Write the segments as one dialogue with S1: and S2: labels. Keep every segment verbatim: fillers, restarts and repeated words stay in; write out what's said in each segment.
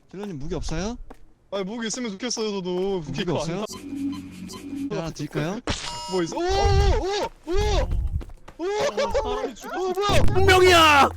S1: 딜러님 무기 없어요?
S2: 아니 무기 있으면 좋겠어요 저도.
S1: 무기
S2: 무기가
S1: 없어요? 하나 드릴까요?
S2: 뭐 있어? 오오오오 오!
S3: 사람이 죽었어.
S2: 오 뭐야?
S4: 분명이야.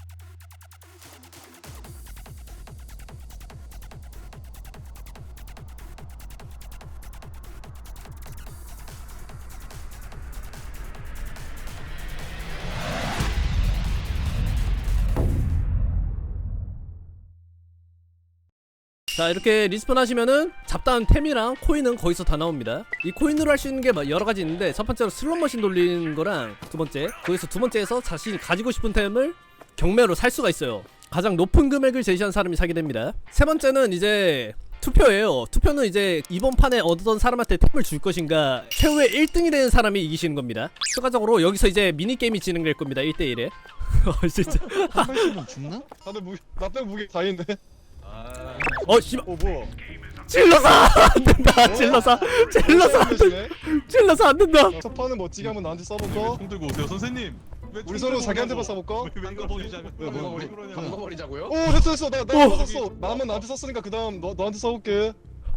S4: 자, 이렇게 리스폰 하시면은 잡다한 템이랑 코인은 거기서 다 나옵니다. 이 코인으로 할 수 있는 게 여러가지 있는데, 첫 번째로 슬롯머신 돌리는 거랑 두 번째, 거기서 두 번째에서 자신이 가지고 싶은 템을 경매로 살 수가 있어요. 가장 높은 금액을 제시한 사람이 사게 됩니다. 세 번째는 이제 투표예요. 투표는 이제 이번 판에 얻었던 사람한테 템을 줄 것인가, 최후의 일 등이 되는 사람이 이기시는 겁니다. 추가적으로 여기서 이제 미니게임이 진행될 겁니다. 일 대 일에. 어 진짜.
S1: 한 발씩은 죽나?
S2: 다들 무기 나빼 무기 다 있는데.
S4: 어 씨발.
S2: 어 뭐야?
S4: 찔러서 안 된다. 찔러서 찔러서 안 된다. 찔러서 안 된다.
S2: 첫 판은 멋지게 한번 나한테 써볼까?
S3: 총 들고 오세요 선생님.
S2: 우리 서로 자기한테만 써볼까?
S3: 왜 이거 버리자면?
S2: 왜, 뭐, 뭐,
S5: 방거버리자고요?
S2: 오 됐어 됐어 나나
S4: 어.
S2: 썼어. 나 한번 나한테 썼으니까 그 다음 너 너한테 써볼게.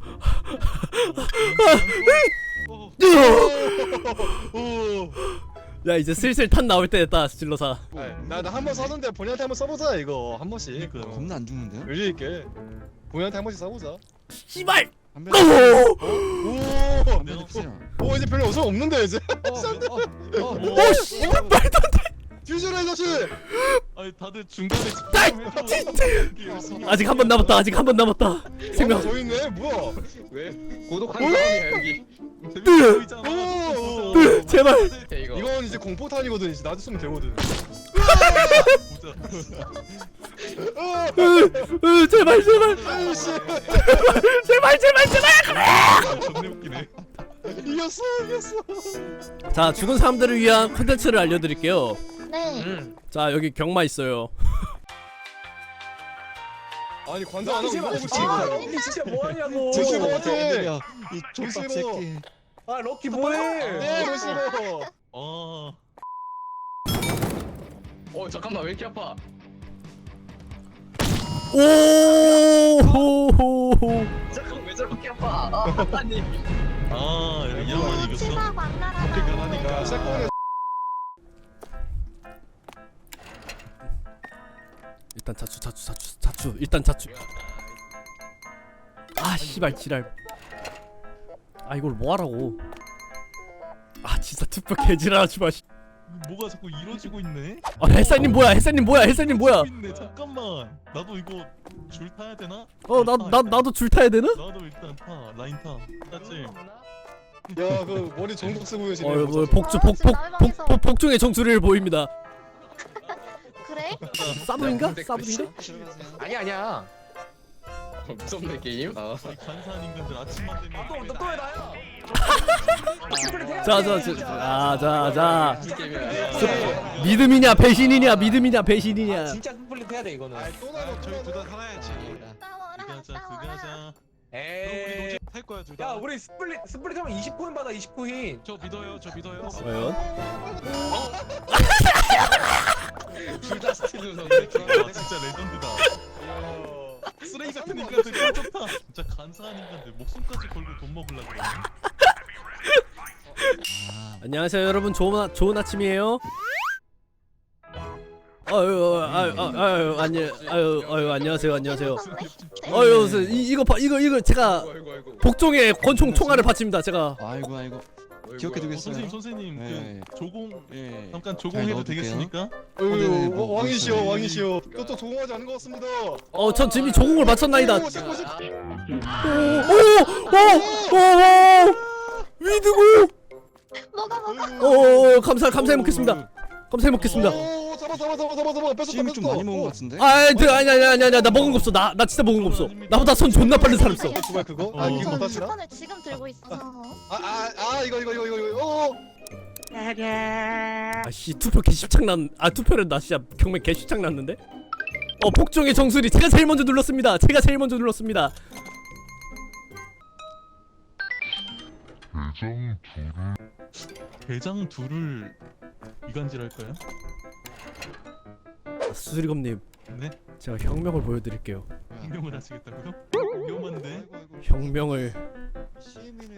S2: 오.
S4: 야, 이제 슬슬 탄 나올 때 됐다. 찔러서.
S2: 나나 한 번 썼는데 본인한테 한번 써보자 이거 한 번씩.
S3: 그러니까요.
S2: 어.
S1: 겁나 안 죽는데요?
S2: 의리 있게 본인한테 한 번씩 써보자.
S4: 씨발.
S1: 한
S4: 오!
S1: 발.
S2: 오.
S1: 한 발 주세요.
S2: 오 이제 별로 어서 없는데 이제.
S4: 오 씨발 말도 안 돼.
S2: 퓨즈라 자식.
S3: 아니 다들 중간에
S4: 아직 한 번 남았다. 아직 한 번 남았다. 생명.
S2: 더 있네 뭐야?
S5: 왜? 고독한 사람이야 여기.
S2: 오.
S4: 으, 제발.
S5: 네, 이거.
S2: 이건 이제 공포탄이거든. 이제 나도 쓰면 되거든.
S4: 으, 으, 제발 제발.
S2: 아이씨.
S4: 제발 제발 제발.
S3: 존내 웃기네.
S2: 이겼어 이겼어.
S4: 자, 죽은 사람들을 위한 컨텐츠를 알려드릴게요.
S6: 네.
S5: 음.
S4: 자, 여기 경마 있어요.
S2: 아니 관전 안 하고 이거 붙이
S5: 아,
S2: 이거.
S5: 럭키 진짜 뭐하냐고.
S2: 제시 뭐지?
S1: 이 족밥
S2: 싫어.
S1: 새끼.
S5: 아 럭키 뭐해?
S2: 네 싫어.
S3: 어.
S5: 어 잠깐만 왜 이렇게 아파?
S4: 오.
S5: 잠깐 왜 저렇게 아파? 아 아니.
S3: 아 이러면 이겼어.
S6: 치마 광나라.
S3: 어떻게 가라니까.
S2: 세컨에
S4: 일단 자추 자추 자추 자추. 일단 자추. 아 씨발 지랄. 아 이걸 뭐하라고. 아 진짜 투표 개지랄하지 마.
S3: 뭐가 자꾸 이루어지고 있네.
S4: 아 햇살님 뭐야? 햇살님 뭐야? 햇살님 뭐야?
S3: 이루어지고 있네. 잠깐만. 나도 이거 줄 타야 되나?
S4: 어 나 나 나도 줄 타야 되나?
S3: 나도 일단 타. 라인 타. 따지.
S2: 야그 머리 정복 쓰고 계시네.
S4: 어 뭐, 복주 복복복 복중의 정수리를 보입니다.
S6: 그래?
S4: 사부인가? 사부인데?
S5: 아니 아니야. 무섭네 게임. 아.
S3: 이 간사한 인간들 아침만 되면.
S5: 또또왜 나야?
S4: 자자자자자
S5: 이 게임이야.
S4: 믿음이냐 배신이냐 믿음이냐 배신이냐.
S5: 진짜 스플릿 해야 돼 이거는.
S2: 또 나가
S3: 저희 둘 다 살아야지.
S6: 싸워라
S3: 그가자
S6: 싸워라.
S3: 그가자.
S5: 에이.
S3: 할 거야 둘 다.
S5: 야 우리 스플릿 스플릿 하면 이십 코인 받아 이십 코인.
S3: 저 믿어요. 저 믿어요.
S4: 과연?
S5: 둘다 스틸 넣었네.
S3: 와 진짜 레전드다. 쓰레기 같은 인간들 쩔좋다. 진짜 간사한 인간들 목숨까지 걸고 돈 먹으려고 그러네.
S1: 아,
S4: 안녕하세요 여러분. 좋은 아, 좋은 아침이에요. 아유 아유 아유 아유 안녕 아유 아유 안녕하세요 안녕하세요. 아유 이 이거 봐 이거 이거 제가
S5: 아이고 아이고.
S4: 복종의 권총 총알을 바칩니다 제가.
S1: 아이고 아이고. 기억해
S3: 어,
S1: 두겠어요.
S3: 선생님 선생님
S1: 네.
S3: 그 조공
S1: 예.
S3: 잠깐
S1: 잘
S3: 조공해도
S1: 넣어둘게요.
S3: 되겠습니까?
S2: 어유
S1: 뭐, 뭐
S2: 왕이시여
S1: 있어요?
S2: 왕이시여. 그것도 조공하지 않은 것 같습니다.
S4: 어전 이미 조공을 마쳤나이다.
S2: 오, 세컨 세-
S4: 오오오오오 위드고.
S6: 뭐가 뭐가?
S4: 오 감사 감사해 먹겠습니다. 감사해 먹겠습니다.
S2: 오 잡아 잡아 잡아 잡아 잡아 뺐었다
S1: 찜이 좀
S2: 뺐었다.
S1: 많이 먹은 것 같은데?
S4: 아, 그 아니 아니 아니 아니 나 먹은 거 없어. 나 나 진짜 먹은 거 없어. 나보다 손 존나 빠른 사람 있어.
S2: 그거 그거?
S3: 어.
S2: 아 이거
S6: 저
S2: 못하시나?
S6: 스폰을 지금 들고 있어서.
S2: 아아아 이거 이거 이거 이거 이거. 어.
S4: 아씨 투표 개십창 난. 아 투표를 나 진짜 경매 개십창 났는데. 어 복종의 정수리 제가 제일 먼저 눌렀습니다. 제가 제일 먼저 눌렀습니다.
S3: 대장 둘을 이간질할까요?
S4: 수리검님
S3: 네?
S4: 제가 혁명을 보여드릴게요.
S3: 혁명을 하시겠다고요? 위험한데?
S4: 혁명을.
S1: 씨엠이는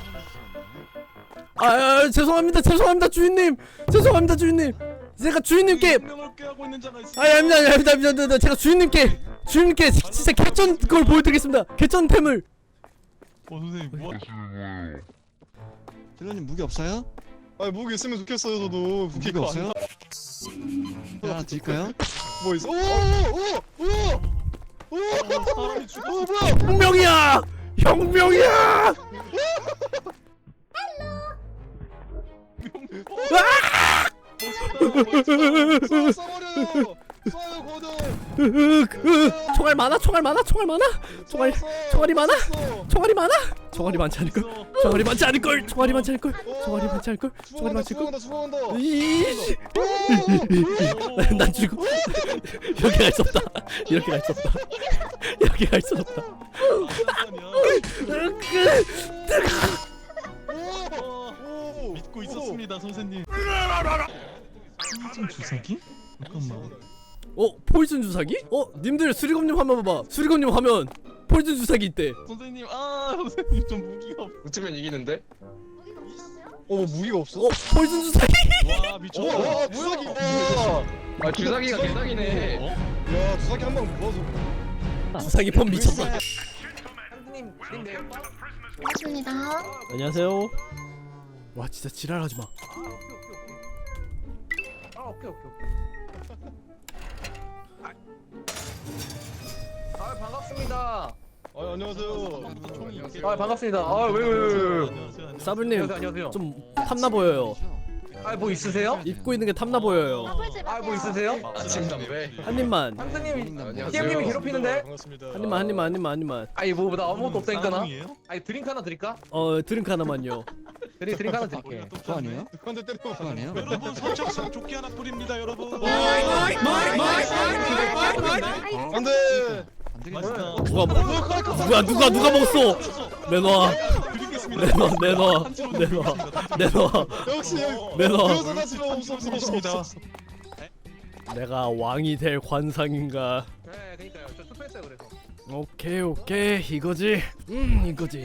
S4: 아, 아, 아 죄송합니다 죄송합니다 주인님 죄송합니다 주인님. 제가 주인님께
S3: 혁명을 꾀하고 있는 자가 있어.
S4: 아 아닙니다 아닙니다 아닙니다 아닙니다. 제가 주인님께 주인님께 진짜 개쩐 그걸 보여드리겠습니다. 개쩐템을.
S3: 어 선생님 뭐?
S1: 딜러님 무기 없어요?
S2: 아 무기 있으면 좋겠어요 저도.
S1: 무기가
S2: 무기가
S1: 없어요? 하나 드릴까요?
S2: 뭐 있어? 오오오오 오!
S3: 어, 사람이 죽었어.
S2: 오 뭐야?
S4: 혁명이야 혁명이야.
S2: 쏴 쏴버려요. 쏴요 고도.
S4: 총알 많아 총알 많아 총알 많아 총알 총알이 많아 총알이 많아 총알이 많지 않을 걸 총알이 많지 않을 걸 총알이 많지 않을 걸 총알이 많지 않을 걸 총알이 많지 않을 걸.
S2: 수고한다 수고한다.
S4: 이씨 난 죽어. 이렇게 갈 수 없다 이렇게 갈 수 없다 이렇게 갈 수 없다.
S2: 오!
S3: 믿고 있었습니다 선생님. 좀 주사기? 잠깐만.
S4: 어 포이즌 주사기? 어 님들 수리검님 화면 봐봐. 수리검님 화면 포이즌 주사기 있대.
S3: 선생님 아 선생님 좀 무기가 없.
S5: 붙으면 이기는데?
S6: 무기가 없었어요?
S2: 어 무기가 없어?
S4: 어 포이즌 주사기.
S3: 와
S2: 오,
S3: 미쳤다.
S2: 와 주사기. 와.
S5: 아 주사기가 개사기네.
S3: 어?
S2: 야 주사기 한 방 모아서.
S4: 주사기 폼 미쳤다.
S5: 형님 님네요.
S6: 반갑습니다.
S4: 안녕하세요. 와 진짜 지랄하지 마.
S5: 아 오케이 오케이 오케이. 아 반갑습니다.
S2: 아 안녕하세요.
S5: 아 반갑습니다. 아 왜 왜 왜 왜?
S3: 안녕하세요.
S4: 사불님
S5: 안녕하세요 안녕하세요.
S4: 좀 탐나 보여요.
S5: 아 뭐 있으세요?
S4: 입고 있는 게 탐나 보여요.
S6: 더블집
S5: 아 뭐 있으세요? 아침 담배.
S4: 한 입만
S5: 상수님
S1: 안녕하세요.
S5: 티엠님이 괴롭히는데?
S2: 반갑습니다.
S4: 한 입만 한 입만 한 입만 한 입만.
S5: 아니 뭐나 아무것도 없다니까 나.
S3: 쌍둥이에요?
S5: 아니 드링크 하나 드릴까?
S4: 어 드링크 하나만요.
S5: 드링 드링크 하나 드릴게.
S1: 그거 아니에요?
S2: 한대 때려.
S1: 그거 아니에요?
S3: 여러분 선착순 조끼 하나 뿌립니다 여러분.
S2: 안돼.
S1: 안 되겠네.
S3: 맛있다.
S4: 누가 먹 누가 누가 누가 먹었어? 내놔
S3: 드리겠습니다.
S4: 내놔 내놔 내놔 내놔
S2: 역시 여기.
S4: 내놔.
S2: 그래서 나 지금 없어 없어 없어 없어.
S4: 내가 왕이 될 관상인가?
S5: 네 그니까요. 저 투표했어요 그래서.
S4: 오케이 오케이 이거지. 음 이거지.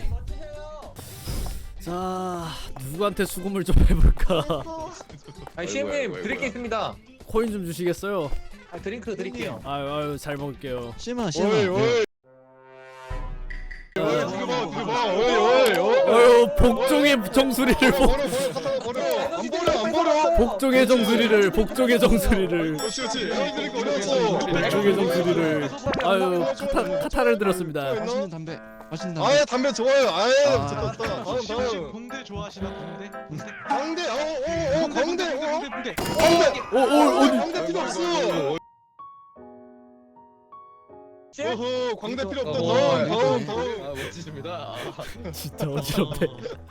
S4: 자 누구한테 수금을 좀 해볼까?
S6: 어,
S5: 아니 시엠님 드릴 게 있습니다.
S4: 코인 좀 주시겠어요?
S5: 아 드링크 드릴게요.
S4: 아유 아유 잘 먹을게요.
S1: 씨엠아 씨엠아.
S2: 오이 오이. 오이 지금 봐 지금 봐. 오이 오이 오이.
S4: 아유 복종의 정수리를 복
S2: 버려 버려 갖다 버려. 안 버려 안 버려.
S4: 복종의 정수리를 복종의 정수리를
S2: 그렇지 그렇지. 형들이 어려웠어.
S4: 복종의 정수리를. 아유 카타 카타를 들었습니다.
S1: 맛있는 담배. 맛있는 담배.
S2: 아예 담배 좋아요. 아예
S1: 아.
S2: 좋다 좋다. 다음
S3: 혹시
S2: 다음.
S3: 공대 좋아하시나 공대? 공대.
S2: 광대. 어어어 광대.
S3: 공대
S2: 어.
S3: 공대 공대.
S2: 광대.
S4: 오오 어디?
S2: 광대 필요 없어. 어허 광대 필요 없다. 다음 다음 다음.
S5: 아 멋지십니다.
S4: 진짜 어지럽대.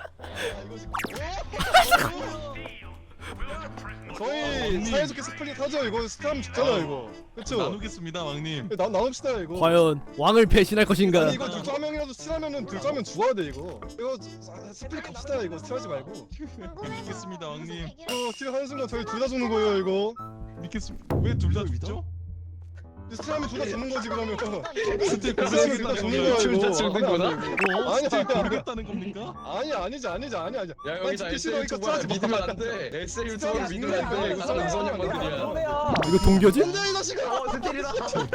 S2: 저희 사이좋게 스플릿 하죠. 이거 스탐 죽잖아 이거. 그쵸?
S3: 나누겠습니다 왕님.
S2: 나 나눕시다 이거.
S4: 과연 왕을 배신할 것인가?
S2: 아니 이거 둘중 한 명이라도 스틸하면은 둘중 한 명 죽어야 돼 이거. 이거 사- 스플릿 갑시다 이거 스틸하지 말고.
S3: 믿겠습니다 왕님.
S2: 이거 스틸 하는 순간 저희 둘 다 죽는 거예요 이거.
S3: 믿겠습니다. 왜 둘 다 죽죠?
S2: 스틸하면 둘 다 죽는 거지 그러면.
S3: 스틸
S2: 스틸하면 둘 다 죽는 거야 이거.
S5: 죽는 거다?
S3: 뭐?
S2: 아니,
S3: 스틸
S2: 아니, 아니.
S3: 모르겠다는 겁니까?
S2: 아니 아니지 아니지 아니 아니.
S5: 야
S2: 아니,
S5: 여기서
S2: 죽기
S5: 에스
S2: 싫어, 이거
S5: 유튜버
S2: 하지 마.
S5: 믿으면 안 돼. 에스 유튜버 믿으면 안 돼. 이거 다 무서운 양반들이야.
S4: 이거 동교지?
S2: 안돼 이 자식아.
S5: 어 스틸이다.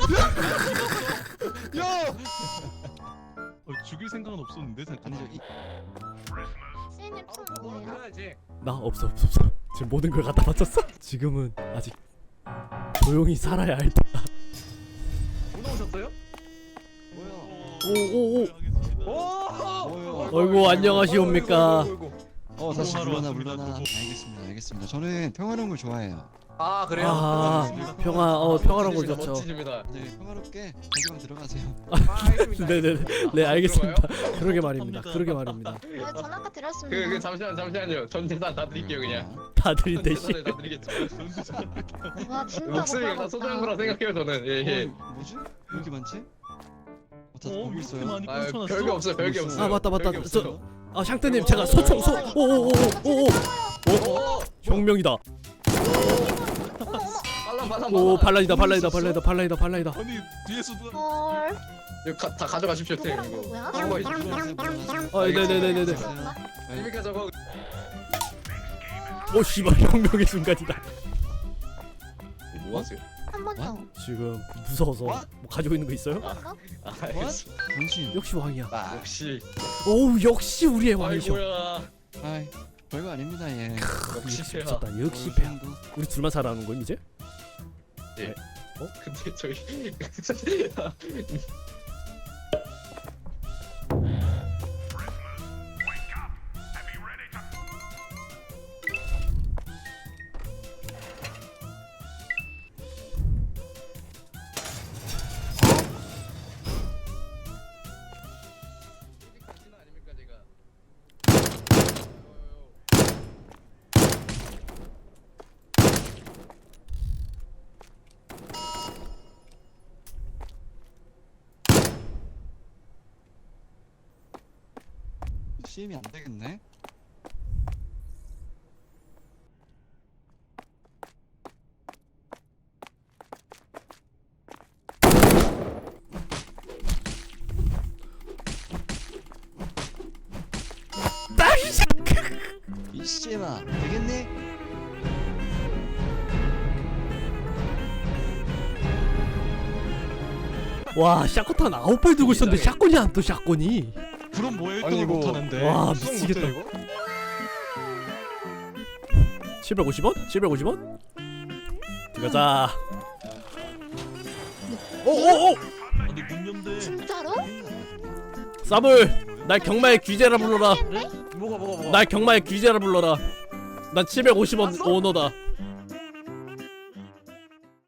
S2: 야.
S3: 어, 죽일 생각은 없었는데 잠깐.
S1: 아니죠. 이,
S6: 시인님 총 뭐예요?
S5: 해야지.
S4: 나 없어 없어 없어. 지금 모든 걸 갖다 바쳤어? 지금은 아직 조용히 살아야 할 때다.
S5: 못 오셨어요?
S1: 뭐야?
S4: 오오오.
S5: 오.
S1: 뭐요?
S4: 어이구 안녕하시옵니까?
S1: 어 다시
S3: 도움하러
S1: 물러나
S3: 왔습니다,
S1: 물러나.
S3: 도움.
S1: 알겠습니다 알겠습니다. 저는 평화로운 걸 좋아해요.
S5: 아 그래요?
S4: 아 평화 어 평화로운 걸 좋죠.
S5: 멋지십니다.
S1: 네 평화롭게 자기방 들어가세요.
S4: 네네네 네 알겠습니다. 그러게 말입니다. 그러게 말입니다.
S6: 네, 전 아까 드렸습니다.
S5: 그, 그 잠시만 잠시만요. 전 재산 다 드릴게요 그냥.
S4: 다 드린대 씨.
S5: 재산을 다 드리겠죠.
S6: 와 진짜
S5: 목소리가 다
S6: 못
S5: 소중한 거라 생각해요 저는. 예 예.
S1: 어, 뭐지? 왜 이렇게 많지? 어, 다
S3: 어
S1: 보고
S3: 이렇게
S1: 있어요.
S3: 많이
S5: 아
S3: 꽂혀놨어?
S5: 별게 없어요 별게 없어요.
S4: 아 맞다 맞다.
S5: 별게
S4: 저
S5: 없어요.
S4: 아 샹트님 제가 소총 소 오오오오오
S5: 오.
S4: 혁명이다.
S5: 빨라 받아
S4: 오
S5: 받아.
S4: 발라이다 발라이다
S1: 있었어?
S4: 발라이다 발라이다 발라이다.
S3: 아니 뒤에서 누가
S6: 헐.
S5: 이거 가, 다 가져가십시오 템
S6: 누구랑
S5: 이거.
S6: 누구야?
S5: 저거 있-
S4: 아 네네네네네.
S5: 재밌게 저거.
S4: 오 씨발 혁명의 순간이다.
S5: 뭐 하세요?
S6: 한 번 더.
S4: 지금 무서워서 뭐 가지고 있는 거 있어요?
S6: 한 번 더?
S5: 아,
S1: 당신.
S4: 역시 왕이야.
S5: 아, 역시.
S4: 오우 역시 우리의 왕이셔.
S5: 아이고야.
S1: 아이 별거 아닙니다 예.
S5: 역시
S4: 역시
S5: 패야.
S4: 미쳤다. 역시
S1: 어느
S4: 패야.
S1: 정도.
S4: 우리 둘만 살아가는 건 이제?
S5: 근데 저희 아닙니까 제가.
S1: 씨엠이 안 되겠네. 이 씨엠아 되겠니?
S4: 와 샷건탄 아홉 발 들고 있었는데 샷건이 안 떠 샷건이.
S3: 그럼 뭐해
S2: 아니,
S3: 일등을
S2: 이거-
S3: 못하는데.
S4: 와
S2: 수성
S4: 미치겠다.
S2: 못해, 이거?
S4: 칠백오십 원? 칠백오십 원? 들어가자. 오오오!
S3: 아니 문 연대.
S6: 진짜로?
S4: 사불 날 경마의 귀재라 불러라.
S6: 네?
S5: 뭐가 뭐가 뭐가.
S4: 날 경마의 귀재라 불러라. 난 칠백오십 원 오너다.